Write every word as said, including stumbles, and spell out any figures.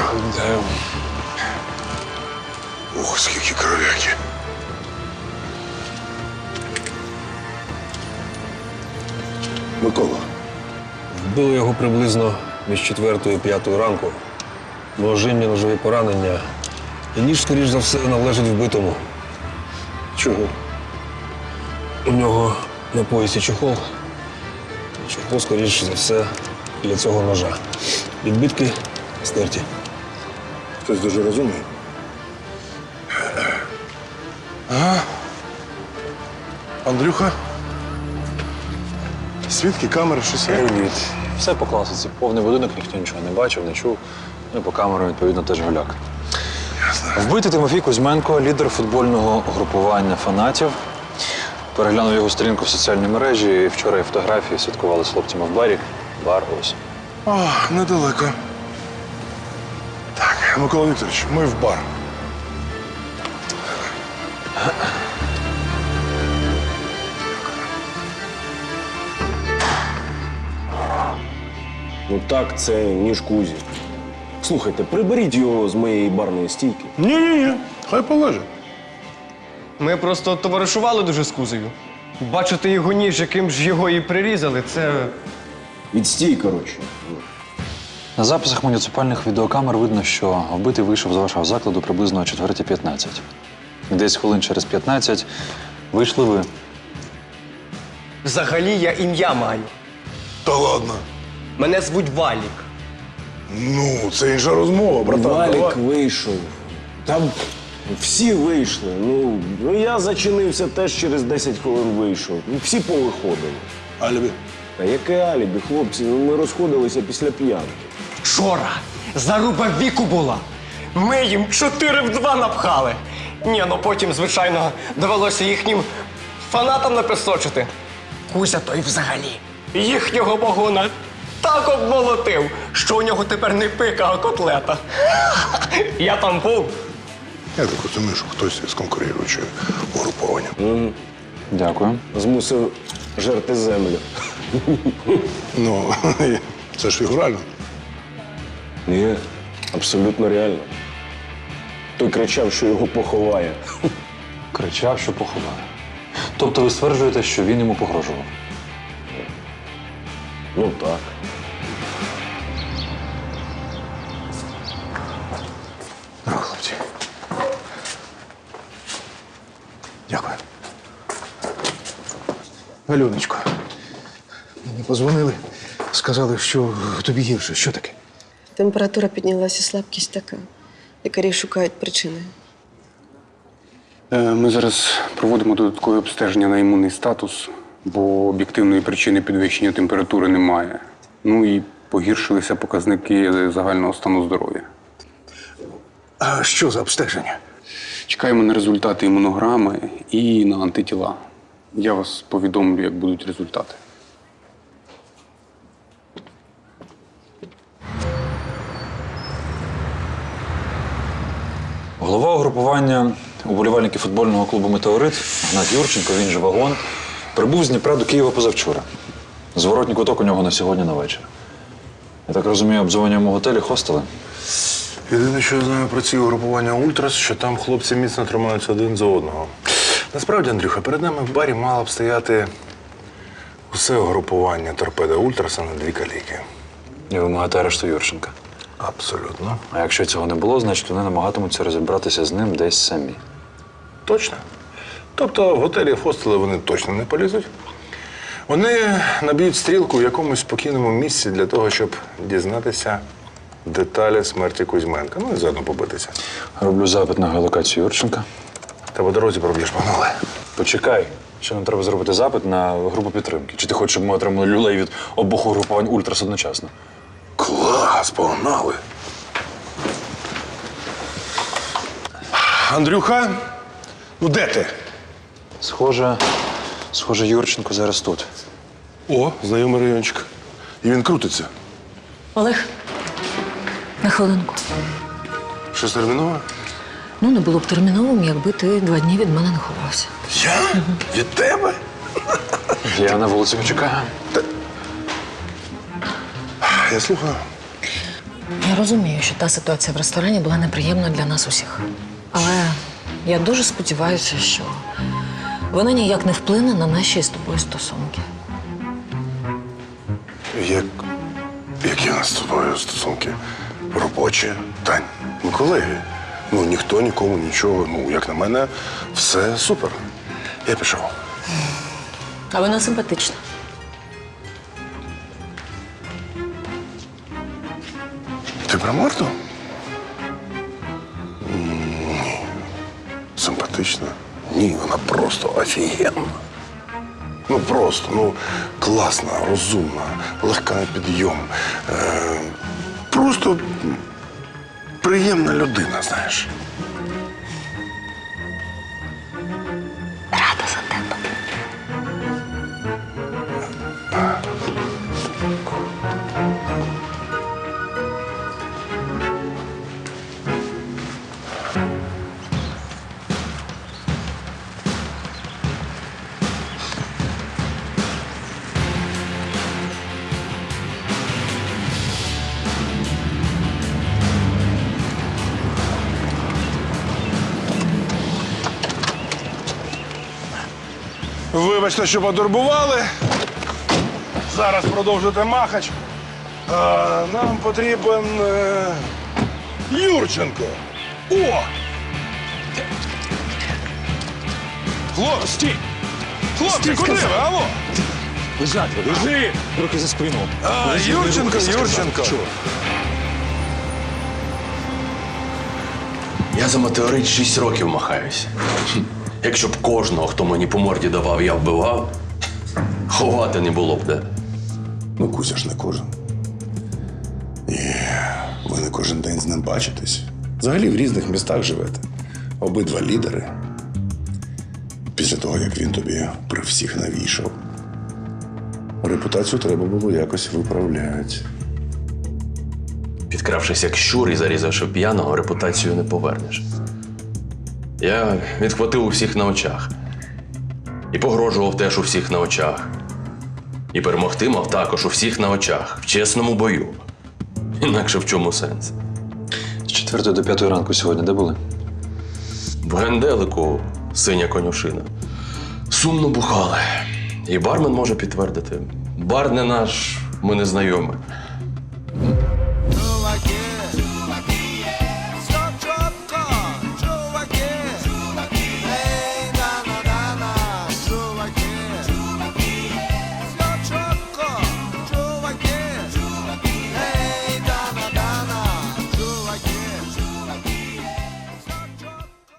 Вітаю. Ох, скільки кров'яки. Микола. Вбили його приблизно між четвертою і п'ятою ранку. Ножинні ножові поранення. І ніж, скоріш за все, належить вбитому. Чого? У нього на поясі чохол. Чохол, скоріш за все, для цього ножа. Відбитки стерті. Хтось дуже розумний. Ага. Андрюха? Свідки, камери, щось є? Привіт. Все по класиці. Повний будинок, ніхто нічого не бачив, не чув. Ну і по камерам, відповідно, теж гуляк. Ясно. Вбитий Тимофій Кузьменко, лідер футбольного групування фанатів. Переглянув його сторінку в соціальній мережі. І вчора і фотографії святкували з хлопцями в барі. Бар ось. О, недалеко. Так, Микола Вікторович, ми в бар. Ну так, це ніж Кузі. Слухайте, приберіть його з моєї барної стійки. Ні-ні-ні, хай полежить. Ми просто товаришували дуже з Кузею. Бачити його ніж, яким ж його і прирізали, це. Відстій, коротше. На записах муніципальних відеокамер видно, що вбитий вийшов з вашого закладу приблизно о четвертій п'ятнадцять. Десь хвилин через п'ятнадцять вийшли ви. Взагалі я ім'я маю. Та ладно. Мене звуть Валік. Ну, це інша розмова, братан. Валік давай. вийшов. Там всі вийшли. Ну, ну я зачинився теж через десять хвилин вийшов. Ну, всі повиходили. Альбі. Та яке алібі, хлопці? Ну ми розходилися після п'янки. Вчора заруба віку була. Ми їм чотири в два напхали. Ні, ну потім, звичайно, довелося їхнім фанатам напесочити. Кузя той взагалі їхнього вагона так обмолотив, що у нього тепер не пика, а котлета. Я там був. Я так розумію, що хтось з конкуруючого угруповання. Дякую. Змусив жерти землю. Ну, це ж фігурально. Ні, абсолютно реально. Той кричав, що його поховає. Кричав, що поховає. Тобто ви стверджуєте, що він йому погрожував? Ну так. Здорово, хлопці. Дякую. Альоночко, мені позвонили, сказали, що тобі гірше. Що таке? Температура піднялася, слабкість така. Лікарі шукають причини. Е, Ми зараз проводимо додаткове обстеження на імунний статус, бо об'єктивної причини підвищення температури немає. Ну і погіршилися показники загального стану здоров'я. А що за обстеження? Чекаємо на результати імунограми і на антитіла. Я вас повідомлю, як будуть результати. Голова угрупування уболівальників футбольного клубу «Метеорит» Гнат Юрченко, він же «Вагон», прибув з Дніпра до Києва позавчора. Зворотній куток у нього на сьогодні на вечір. Я так розумію, обдзвонюємо в готелі, хостели? Єдине, що я знаю про ці угрупування Ультрас, що там хлопці міцно тримаються один за одного. Насправді, Андрюха, перед нами в барі мало б стояти усе угрупування торпеда Ультраса на дві каліки. І вимагати арешту Юрченка. Абсолютно. А якщо цього не було, значить вони намагатимуться розібратися з ним десь самі. Точно. Тобто в готелі в хостели вони точно не полізуть. Вони наб'ють стрілку в якомусь спокійному місці для того, щоб дізнатися деталі смерті Кузьменка. Ну і заодно побитися. Роблю запит на геолокацію Юрченка. Та по дорозі проб'єш, погнали. Почекай, ще нам треба зробити запит на групу підтримки. Чи ти хочеш, щоб ми отримали люлей від обох угрупувань Ультрас одночасно? Клас, погнали. Андрюха, ну де ти? Схоже, схоже, Юрченко зараз тут. О, знайомий райончик. І він крутиться. Олег, на хвилинку. Щось термінове? Ну, не було б терміновим, якби ти два дні від мене не ховався. Я? Від тебе? Я на вулиці почекаю. Я слухаю. Я розумію, що та ситуація в ресторані була неприємною для нас усіх. Але я дуже сподіваюся, що вона ніяк не вплине на наші з тобою стосунки. Як. Які у нас з тобою стосунки? Робочі? Тань, ми колеги. Ну, ніхто нікому нічого. Ну, як на мене, все супер. Я пішов. А вона симпатична. Ти про Марту? Ні. Симпатична? Ні, вона просто офігенна. Ну просто, ну, класна, розумна, легка на підйом. Е, просто приємна людина, знаєш. Рада за тебе. Вибачте, що потурбували. Зараз продовжуйте махач. А, нам потрібен е, Юрченко. О! Хлопці! Стій! Хлопці, куди ви? Алло! Лежать, лежи! Руки за спину. А, Юрченко, Юрченко. Я за метеорит шість років махаюсь. Якщо б кожного, хто мені по морді давав, я вбивав, ховати не було б де. Ну, Кузя ж не кожен. І ви не кожен день з ним бачитесь. Взагалі в різних містах живете. Обидва лідери. Після того, як він тобі при всіх навішав. Репутацію треба було якось виправляти. Підкравшись як щур і зарізавши п'яного, репутацію не повернеш. Я відхватив у всіх на очах. І погрожував теж у всіх на очах. І перемогти мав також у всіх на очах, в чесному бою. Інакше в чому сенс? З четвертої до п'ятої ранку сьогодні де були? В генделику синя конюшина. Сумно бухали. І бармен може підтвердити. Бар не наш, ми не знайомі.